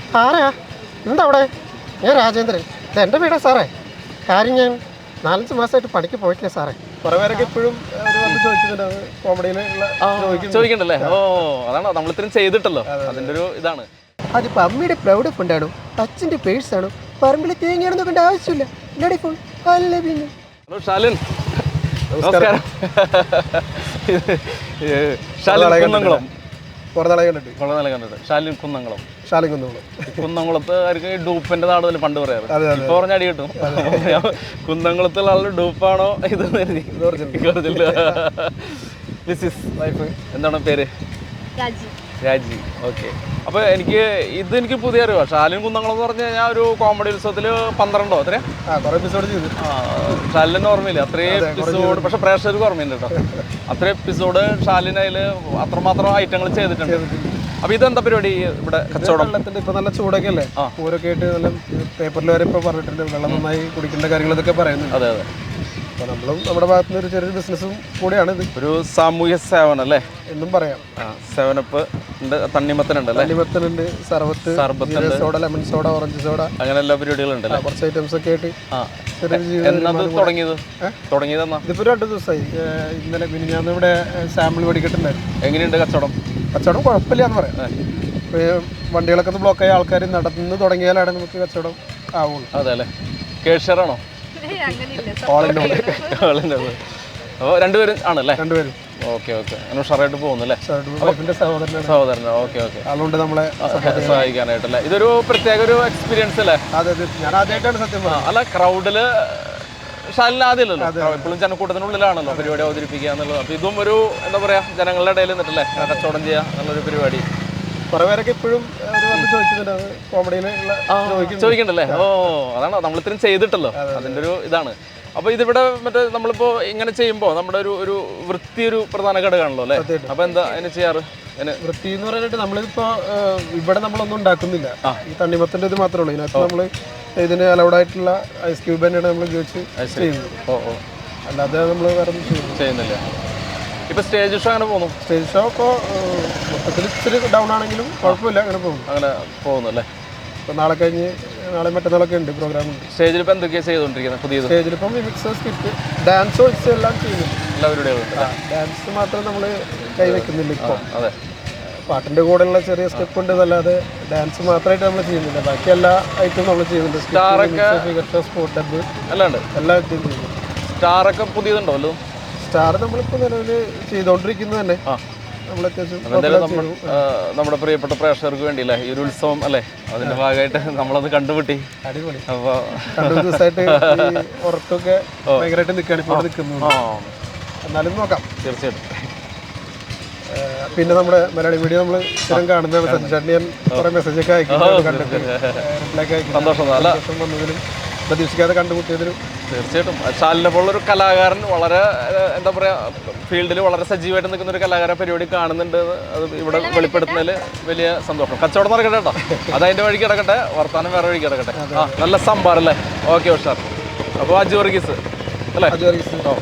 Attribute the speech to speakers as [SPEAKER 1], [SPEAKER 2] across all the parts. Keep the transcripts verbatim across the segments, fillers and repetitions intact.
[SPEAKER 1] ആരാ? എന്താ അവിടെ? ഞാൻ രാജേന്ദ്രൻ. ഇത് എൻ്റെ വീടാ സാറേ. കാര്യം ഞാൻ നാലഞ്ച് മാസമായിട്ട് പണിക്ക് പോയിട്ടില്ല സാറേ.
[SPEAKER 2] കുറെ പേരൊക്കെ ഇപ്പോഴും കോമഡിയിൽ
[SPEAKER 3] ചോദിക്കണ്ടല്ലേ? ഓ അതാണ് നമ്മൾ ഇത്രയും ചെയ്തിട്ടല്ലോ, അതിന്റെ ഒരു ഇതാണ്.
[SPEAKER 1] അതിപ്പോൾ അമ്മയുടെ പ്രൗഡ് ഫണ്ടാണോ അച്ഛൻ്റെ പേഴ്സാണോ പറമ്പിൽ തേങ്ങയാണെന്ന് കണ്ട ആവശ്യമില്ല. ഇല്ലടി ഫോൺ അല്ല പിന്നെ.
[SPEAKER 3] ഹലോ ഷാലിൻ, നമസ്കാരം. ഷാലിൻ കുന്നംകുളം.
[SPEAKER 2] കുറെ നാളെ കണ്ടിട്ട്
[SPEAKER 3] കുറെ നാളെ കണ്ടിട്ട്. ഷാലിൻ കുന്നംകുളം.
[SPEAKER 2] ഷാലിൻ കുന്നംകുളം.
[SPEAKER 3] കുന്നംകുളത്ത് അവർക്ക് ഡൂപ്പിന്റെ നാട് പണ്ട് പറയാറ്. ഇപ്പൊ പറഞ്ഞ അടി കിട്ടും. കുന്നംകുളത്തുള്ള ആളുടെ ഡൂപ്പാണോ ഇത്? മിസ്സിസ് വൈഫ് എന്താണ് പേര്? രാജി. ഓക്കെ. അപ്പോൾ എനിക്ക് ഇത് എനിക്ക് പുതിയ അറിവാ. ഷാലിൻ കുന്നംകുളം എന്ന് പറഞ്ഞു കഴിഞ്ഞാൽ ഒരു കോമഡി ഉത്സവത്തിൽ പന്ത്രണ്ടോ അത്രയും
[SPEAKER 2] എപ്പിസോഡ് ചെയ്തു.
[SPEAKER 3] ഷാലിന് ഓർമ്മയില്ല അത്രയും എപ്പിസോഡ്. പക്ഷെ പ്രേക്ഷകർക്ക് ഓർമ്മയുണ്ട് കേട്ടോ. അത്രയും എപ്പിസോഡ് ഷാലിൻ അതിൽ അത്രമാത്രം ഐറ്റങ്ങൾ ചെയ്തിട്ടുണ്ട്. അപ്പൊ ഇതെന്താ പരിപാടി ഇവിടെ? കച്ചവടം.
[SPEAKER 2] വെള്ളത്തിന്റെ ഇപ്പൊ നല്ല ചൂടൊക്കെ അല്ലേ? പൂരൊക്കെ ആയിട്ട് നല്ല പേപ്പറിൽ വരെ ഇപ്പൊ പറഞ്ഞിട്ടുണ്ട് വെള്ളം നന്നായി കുടിക്കേണ്ട കാര്യങ്ങളൊക്കെ പറയുന്നുണ്ട്.
[SPEAKER 3] അതെ അതെ.
[SPEAKER 2] അപ്പോൾ നമ്മളും നമ്മുടെ ഭാഗത്തുനിന്ന് ഒരു ചെറിയൊരു ബിസിനസ്സും കൂടിയാണ് ഇത്.
[SPEAKER 3] ഒരു സാമൂഹ്യ സേവനം അല്ലേ
[SPEAKER 2] എന്നും പറയാം.
[SPEAKER 3] സെവനപ്പ് ഉണ്ട്, തണ്ണിമത്തനുണ്ട് അല്ലേ?
[SPEAKER 2] തണ്ണിമത്തനുണ്ട്, സർബത്ത്, സർബത്ത്, soda, lemon soda, orange soda,
[SPEAKER 3] അങ്ങനെ എല്ലാ പരിപാടികളും ഉണ്ട്.
[SPEAKER 2] കുറച്ച് ഐറ്റംസ് ഒക്കെ ആയിട്ട്
[SPEAKER 3] എന്നത് തുടങ്ങിയത് തുടങ്ങിയതെന്നാ?
[SPEAKER 2] ഇതിപ്പോ രണ്ടു ദിവസമായി. ഇന്നലെ പിന്നെ ഞാൻ ഇവിടെ സാമ്പിൾ മേടിക്കട്ടുണ്ടായിരുന്നു.
[SPEAKER 3] എങ്ങനെയുണ്ട് കച്ചവടം?
[SPEAKER 2] കച്ചവടം കുഴപ്പമില്ല എന്ന് പറയാം. വണ്ടികളൊക്കെ ഒന്ന് ബ്ലോക്ക് ആയ ആൾക്കാർ നടന്ന് തുടങ്ങിയാലാണ് നമുക്ക് കച്ചവടം ആവുള്ളൂ.
[SPEAKER 3] അതെ അല്ലേ? കേഷറാണോ? അപ്പോൾ രണ്ടുപേരും ആണല്ലേ?
[SPEAKER 2] രണ്ടുപേരും.
[SPEAKER 3] Okay okay. അങ്ങനെ ഉഷാറായിട്ട് പോകുന്നല്ലേ? സഹോദരനോ? Okay okay.
[SPEAKER 2] അതുകൊണ്ട് നമ്മളെ
[SPEAKER 3] സഹായിക്കാനായിട്ടല്ലേ? ഇതൊരു പ്രത്യേക ഒരു എക്സ്പീരിയൻസ് അല്ലേ?
[SPEAKER 2] അതെ അതെ. ഞാൻ ആദ്യമായിട്ടാണ് സത്യം പറഞ്ഞത്.
[SPEAKER 3] അല്ല, ക്രൗഡില് ഷാലിന് ആദ്യമല്ലല്ലോ, എപ്പോഴും ജനക്കൂട്ടത്തിനുള്ളിലാണല്ലോ പരിപാടി അവതരിപ്പിക്കുക എന്നുള്ളത്. അപ്പോൾ ഇതും ഒരു എന്താ പറയാ ജനങ്ങളുടെ ഇടയിൽ നിന്നിട്ടല്ലേ കച്ചവടം ചെയ്യുക എന്നുള്ളൊരു പരിപാടി.
[SPEAKER 2] കുറെ പേരൊക്കെ ഇപ്പോഴും കോമഡിയിൽ
[SPEAKER 3] ചോദിക്കണ്ടല്ലേ? ഓ അതാണ് നമ്മൾ ഇത്രയും ചെയ്തിട്ടല്ലോ, അതിന്റെ ഒരു ഇതാണ്. അപ്പൊ ഇതിവിടെ മറ്റേ നമ്മളിപ്പോ ഇങ്ങനെ ചെയ്യുമ്പോൾ നമ്മുടെ ഒരു ഒരു വൃത്തി ഒരു പ്രധാന ഘടകമാണല്ലോ അല്ലേ? അപ്പൊ എന്താ അതിന് ചെയ്യാറ്?
[SPEAKER 2] വൃത്തി എന്ന് പറഞ്ഞിട്ട് നമ്മളിപ്പോ ഇവിടെ നമ്മളൊന്നും ഉണ്ടാക്കുന്നില്ല. ഈ തണ്ണിമത്തന്റെ ഇത് മാത്രമേ ഉള്ളൂ. ഇതിനകത്ത് നമ്മള് ഇതിന് അലൗഡ് ആയിട്ടുള്ള ഐസ് ക്യൂബ് തന്നെയാണ് നമ്മൾ ഉപയോഗിച്ച് ചെയ്യുന്നത്.
[SPEAKER 3] ഓ ഓ.
[SPEAKER 2] അല്ലാതെ നമ്മൾ വേറെ
[SPEAKER 3] ചെയ്യുന്നില്ല. ഇപ്പൊ സ്റ്റേജ് ഷോ അങ്ങനെ പോകുന്നു?
[SPEAKER 2] സ്റ്റേജ് ഷോ ഇപ്പോൾ മൊത്തത്തിൽ ഇച്ചിരി ഡൗൺ ആണെങ്കിലും കുഴപ്പമില്ല, അങ്ങനെ പോകുന്നു.
[SPEAKER 3] അങ്ങനെ പോകുന്നു അല്ലേ?
[SPEAKER 2] ഇപ്പൊ നാളെ കഴിഞ്ഞ് നാളെ മറ്റന്നാളൊക്കെ ഉണ്ട് പ്രോഗ്രാം ഉണ്ട്.
[SPEAKER 3] സ്റ്റേജിൽ ഇപ്പൊ എന്തൊക്കെയാണ് ചെയ്തുകൊണ്ടിരിക്കുന്നത്? പുതിയത്
[SPEAKER 2] സ്റ്റേജിൽ ഇപ്പം മിമിക്സ്, സ്കിറ്റ്, ഡാൻസ് ഒഴിച്ച് എല്ലാം ചെയ്യുന്നു.
[SPEAKER 3] എല്ലാ പരിപാടികളും.
[SPEAKER 2] ഡാൻസ് മാത്രം നമ്മൾ കൈവയ്ക്കുന്നില്ല ഇപ്പോൾ.
[SPEAKER 3] അതെ.
[SPEAKER 2] പാട്ടിന്റെ കൂടെയുള്ള ചെറിയ സ്റ്റെപ്പ് ഉണ്ട് എന്നല്ലാതെ ഡാൻസ് മാത്രമായിട്ട് നമ്മൾ ചെയ്യുന്നില്ല. ബാക്കി എല്ലാ ഐറ്റവും നമ്മൾ ചെയ്യുന്നുണ്ട്. സ്പോർട്ട് ഡബ്
[SPEAKER 3] അല്ലാണ്ട്
[SPEAKER 2] എല്ലാ ഐറ്റവും ചെയ്യുന്നു.
[SPEAKER 3] സ്റ്റാറൊക്കെ പുതിയതുണ്ടോ? അല്ലോ
[SPEAKER 2] സ്റ്റാർ നമ്മളിപ്പോൾ നിലവിൽ ചെയ്തുകൊണ്ടിരിക്കുന്നത് തന്നെ. നമ്മൾ
[SPEAKER 3] അത്യാവശ്യം നമ്മുടെ പ്രിയപ്പെട്ട പ്രേക്ഷകർക്ക് വേണ്ടിയില്ലേ ഈ ഒരു ഉത്സവം അല്ലേ, അതിന്റെ ഭാഗമായിട്ട് നമ്മളത് കണ്ടുപിട്ടി.
[SPEAKER 2] അടിപൊളി. അപ്പോൾ രണ്ടു ദിവസമായിട്ട് ഉറക്കൊക്കെ ഭയങ്കരമായിട്ട് നിൽക്കുകയാണ് ഇപ്പോൾ നിൽക്കുന്നത്. എന്നാലും നോക്കാം.
[SPEAKER 3] തീർച്ചയായിട്ടും.
[SPEAKER 2] പിന്നെ നമ്മുടെ മലയാളി മീഡിയ നമ്മൾ സ്ഥിരം കാണുന്നതാണ്. സഞ്ജാണ്ടി ഞാൻ കുറേ മെസ്സേജൊക്കെ അയക്കുന്നത് കണ്ടിട്ട് റിപ്ലൈ ഒക്കെ അയക്കും.
[SPEAKER 3] സന്തോഷം
[SPEAKER 2] വന്നതിലും പ്രതീക്ഷിക്കാതെ കണ്ടുമുട്ടിയതിലും.
[SPEAKER 3] തീർച്ചയായിട്ടും. ഷാലിനെ പോലുള്ളൊരു കലാകാരൻ വളരെ എന്താ പറയുക ഫീൽഡിൽ വളരെ സജീവമായിട്ട് നിൽക്കുന്ന ഒരു കലാകാര പരിപാടി കാണുന്നുണ്ട്. അത് ഇവിടെ വെളിപ്പെടുത്തുന്നതിൽ വലിയ സന്തോഷം. കച്ചവടം നടക്കട്ടെ കേട്ടോ, അത് അതിൻ്റെ വഴിക്ക് കിടക്കട്ടെ, വർത്താനം വേറെ വഴിക്ക് കിടക്കട്ടെ. ആ നല്ല സംഭാർ അല്ലേ? ഓക്കെ ഉഷാർ. അപ്പോൾ അജു വർഗീസ് അല്ലേ?
[SPEAKER 2] ഓ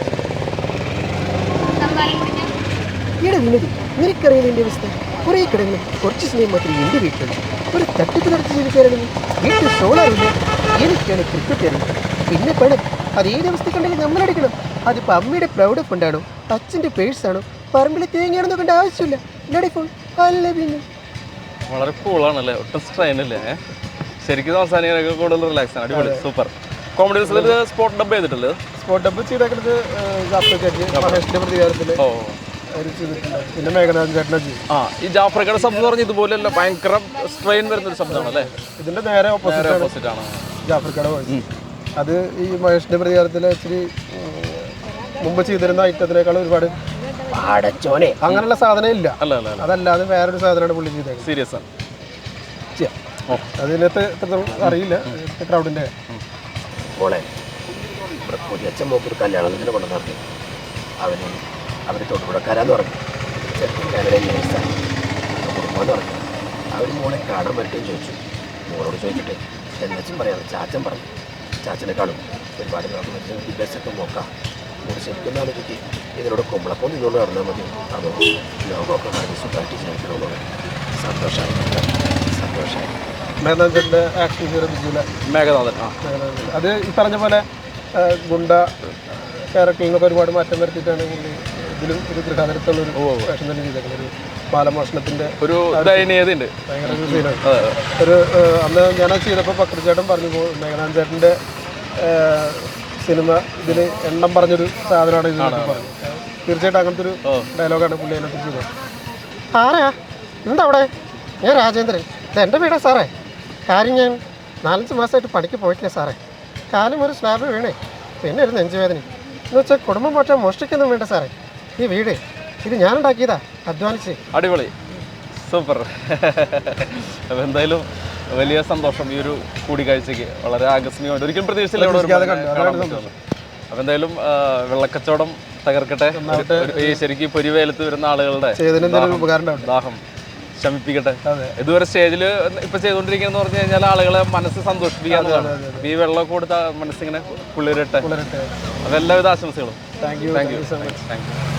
[SPEAKER 1] നിനക്കറിയില്ല എൻ്റെ അവസ്ഥ. കുറേ കിടന്ന് കുറച്ച് സമയം മാത്രമേ എൻ്റെ വീട്ടിലുള്ളൂ. ഒരു തട്ടിപ്പ് നടത്തി ജീവിക്കാനാണെങ്കിൽ വീട്ടിൽ സോളാറില്ല. എനിക്കാണ് ക്രിക്കറ്റ് അറിയാം, പിന്നെ പണം. അതേത് അവസ്ഥക്കുണ്ടെങ്കിൽ നമ്മളടിക്കണം. അതിപ്പോൾ അമ്മയുടെ പ്രൗഡ് ഫണ്ടാണോ അച്ഛൻ്റെ പേഴ്സാണോ പറമ്പിൽ തേങ്ങയാണെന്ന് കണ്ട ആവശ്യമില്ല. ഇല്ലടി ഫോൺ അല്ല പിന്നെ.
[SPEAKER 3] വളരെ കൂളാണല്ലേ, ഒട്ടും സ്ട്രെയിൻ അല്ലേ? ശരിക്കും സംസാരിക്കാനൊക്കെ കൂടുതൽ റിലാക്സ് ആണ്. അടിപൊളി, സൂപ്പർ. കോമഡി സ്പോട്ട് ഡബ് ചെയ്തിട്ടല്ലേ?
[SPEAKER 2] സ്പോട്ട് ഡബ് ചെയ്തേക്കുന്നത് മഹേഷിന്റെ പ്രതികാരത്തിൽ.
[SPEAKER 3] ഓ
[SPEAKER 2] പിന്നെ മേഘനാഥൻ ചേട്ടനെ ചെയ്യും.
[SPEAKER 3] ആ ഈ ജാഫ്രിക്കയുടെ ശബ്ദം പറഞ്ഞ ഇതുപോലെയല്ല, ഭയങ്കര സ്ട്രെയിൻ വരുന്ന ഒരു ശബ്ദമാണ് അല്ലേ?
[SPEAKER 2] ഇതിന്റെ നേരെ ഓപ്പോസിറ്റ് ആണ് ജാഫ്രിക്കയുടെ വോയിസ്. അത് ഈ മഹേഷിന്റെ പ്രതികാരത്തിലെ ഇച്ചിരി മുമ്പ് ചെയ്തിരുന്ന ഐറ്റത്തിനേക്കാൾ ഒരുപാട് പാടച്ചോനെ അങ്ങനെയുള്ള സാധനം ഇല്ല. അതല്ലാതെ വേറൊരു സാധനമാണ് പുള്ളി ചെയ്തത്.
[SPEAKER 3] സീരിയസ് ആണ്.
[SPEAKER 2] അതിനകത്ത് എത്രത്തോളം അറിയില്ല ക്രൗഡിന്റെ.
[SPEAKER 1] മോളെ ഇവിടെ പുതിയച്ഛൻ മോക്കൊരു കല്യാണത്തിന് കൊണ്ട് നടത്തി. അവന് അവർ തൊടുപുഴക്കാരാന്ന് പറഞ്ഞു. ചെറുപ്പം കാനഡ നേഴ്സാണ്, കുടുംബമെന്ന് പറഞ്ഞു. അവർ മോളെ കാണാൻ പറ്റുകയും ചോദിച്ചു. മോളോട് ചോദിച്ചിട്ട് എന്നച്ചും പറയാം. ചാച്ചൻ പറഞ്ഞു. ചാച്ചനെക്കാളും ഒരുപാട് നമുക്ക് വിദ്യാഭ്യാസമൊക്കെ നോക്കാം. മോള് ശരിക്കും ആലോചിക്ക്, ഇതിനോട് കുമ്പളക്കം നിന്നുകൊണ്ട് നടന്നാൽ മതി, അതോ ലോകമൊക്കെ കഴിഞ്ഞ് സുഖമായിട്ട് ജീവിക്കണമെന്നുള്ളത്. സന്തോഷമായി സന്തോഷമായി
[SPEAKER 2] മേഘനാഥൻ്റെ ആക്ഷൻ ഹീറോ ബിജുല
[SPEAKER 3] മേഘനാഥൻ ആ
[SPEAKER 2] മേഘനാഥൻ. അത് ഈ പറഞ്ഞ പോലെ ആ, ഗുണ്ട ക്യാരക്ടറിൽ നിന്നൊക്കെ ഒരുപാട് മാറ്റം വരുത്തിയിട്ടാണ് പുള്ളി ഇതിലും ഒരു ഗൃഹാതരത്തുള്ളൊരു വേഷം തന്നെ ചെയ്തേക്കുന്നത്. ഒരു ബാലമോഷണത്തിൻ്റെ
[SPEAKER 3] ഒരു ദയനീയതയുണ്ട്.
[SPEAKER 2] ഭയങ്കര ഒരു സീനാണ്. ഒരു ആ, അന്ന് ഞാനത് ചെയ്തപ്പോൾ പക്രചേട്ടൻ പറഞ്ഞു പോ മേഘനാഥൻ ചേട്ടൻ്റെ സിനിമ ഇതിൽ എണ്ണം പറഞ്ഞൊരു സാധനമാണ് ഇത് പറഞ്ഞു. തീർച്ചയായിട്ടും അങ്ങനത്തെ ഒരു ഡയലോഗാണ് പുള്ളി അതിനകത്ത് ചെയ്തത്. ആരാ എന്താ അവിടെ? ഞാൻ രാജേന്ദ്രൻ. ഇത് എൻ്റെ വീടാ സാറേ. കാര്യം ഞാൻ നാലഞ്ച് മാസമായിട്ട് പണിക്ക് പോയിട്ടില്ല സാറേ. കാലം ഒരു സ്ലാബ് വീണേ, പിന്നെ ഒരു നെഞ്ചുവേദന എന്ന് വെച്ചാൽ കുടുംബം മാറ്റാൻ മോഷ്ടിക്കൊന്നും വേണ്ട സാറേ. ഈ വീട് ഇത് ഞാനുണ്ടാക്കിയതാ, അധ്വാനിച്ച്.
[SPEAKER 3] അടിപൊളി, സൂപ്പർ. അപ്പോൾ എന്തായാലും വലിയ സന്തോഷം ഈ ഒരു കൂടിക്കാഴ്ചയ്ക്ക്. വളരെ ആകസ്മികമായിട്ട് ഒരിക്കലും പ്രതീക്ഷിച്ചില്ല ഇവിടെ ഒരു കാണാൻ പറ്റുന്നത്. അപ്പോൾ എന്തായാലും വെള്ളക്കച്ചവടം തകർക്കട്ടെ. ഈ ശരിക്കും പൊരിവേലത്ത് വരുന്ന ആളുകളുടെ ദാഹം ശമിപ്പിക്കട്ടെ. ഇതുവരെ സ്റ്റേജിൽ ഇപ്പൊ ചെയ്തുകൊണ്ടിരിക്കുന്ന പറഞ്ഞു കഴിഞ്ഞാൽ ആളുകളെ മനസ്സ് സന്തോഷിപ്പിക്കാവുന്നതാണ്. ഈ വെള്ളമൊക്കെ കൊടുത്ത മനസ്സിങ്ങനെ കുളിരട്ടെ. അപ്പോൾ എല്ലാവിധ ആശംസകളും.
[SPEAKER 2] Thank you
[SPEAKER 3] thank you thank U